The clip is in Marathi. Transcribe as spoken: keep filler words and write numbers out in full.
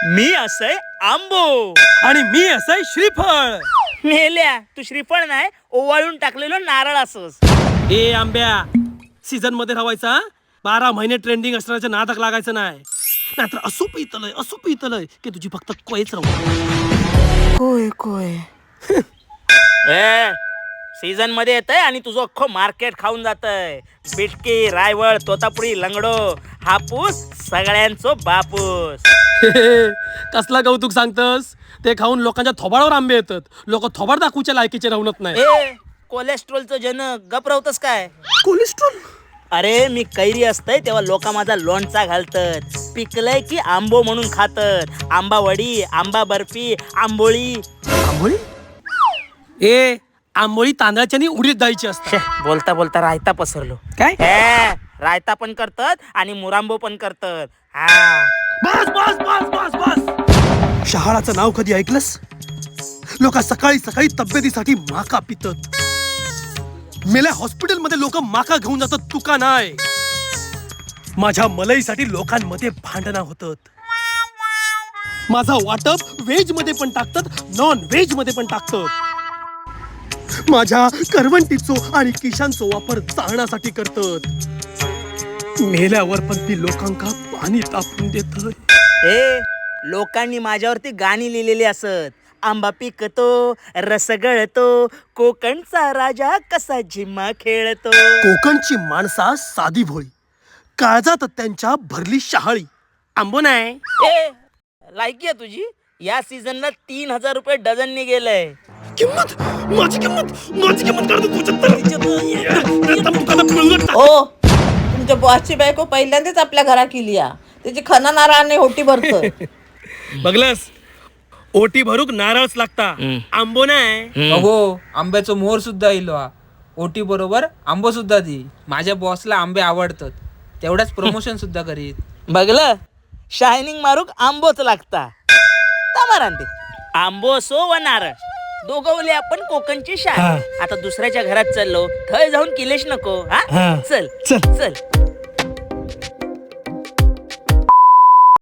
मी असय आंबो आणि मी असं श्रीफळ. मेल्या तू श्रीफळ नाही ओवाळून टाकलेलं नारळ असोस. ए आंब्या, सीझन मध्ये राहायचा, बारा महिने ट्रेंडिंग असण्याच्या नादाक लागायचं नाही, नाहीतर असू पितलय असू पितलय की तुझी फक्त कोयच राहू. कोय कोय ए सीझन मध्ये येतय आणि तुझं अख्खं मार्केट खाऊन जातय. बिटकी, रायवळ, तोतापुरी, लंगडो, हापूस सगळ्यांचो बापूस. कसला कौतुक सांगतस? ते खाऊन लोकांच्या थोबाडावर आंबे येतात. लोक थोबाड दाखवूच्या लायकीचे राहूनच नाही. ए कोलेस्ट्रॉलचं जनक गप राहतस काय? कोलेस्ट्रॉल? अरे मी कैरी असतय तेव्हा लोक माझा लोणचा घालतात, पिकलय की आंबो म्हणून खातात. आंबा वडी, आंबा बर्फी, आंबोळी. आंबोळी? ए आंबोळी तांदळाची आणि उडीद डाळीची असते. छे, बोलता बोलता रायता पसरलो. काय? ए, रायता पण करतात आणि मुरांबो पण करतात. हा बस बस बस बस बस. शहाळाचं नाव कधी ऐकलंस? लोक सकाळी सकाळी तब्येतीसाठी माका पितात. मेल्या हॉस्पिटल मध्ये लोक माका घेऊन जातात, तुका नाही. माझ्या मलईसाठी लोकांमध्ये भांडणं होतात. माझा वाटप व्हेज मध्ये पण टाकतात, नॉन व्हेज मध्ये पण टाकतात. माझ्या करवंटीचो आणि किशांचो वापर चाळण्यासाठी करतात. मेल्यावर पण ती लोकांका पाणी तापून देत. ए लोकांनी माझ्यावरती गाणी लिहिलेली असत. आंबा पिकतो, रस गळतो, कोकणचा राजा कसा झिम्मा खेळतो. कोकणची माणसा साधी भोळी, काळजात त्यांच्या भरली शहाळी. आंबो नाही. ए लायकी आहे तुझी. या सीझनला तीन हजार रुपये डझननी गेलंय. किंमत माझी किंमत माझी किंमत काढतो. ओ तुमच्या बॉसची बायको पहिल्यांदाच आपल्या घरा केली या. त्याची खना नारळाने होटी भरतोय. बघलस, ओटी भरूक नारळच लागता, आंबो नाही. अहो आंब्याचं मोहर सुद्धा इलो हा. ओटी बरोबर आंबो सुद्धा दी. माझ्या बॉसला आंबे आवडतात, तेवढाच प्रमोशन सुद्धा करीत. बघलं, शायनिंग मारूक आंबोच लागता. तामारांते आंबो असो व नारळ दोघवले आपण कोकणची शान. आता दुसऱ्याच्या घरात चाललो, थंय जाऊन किलेश नको. हा चल चल. चल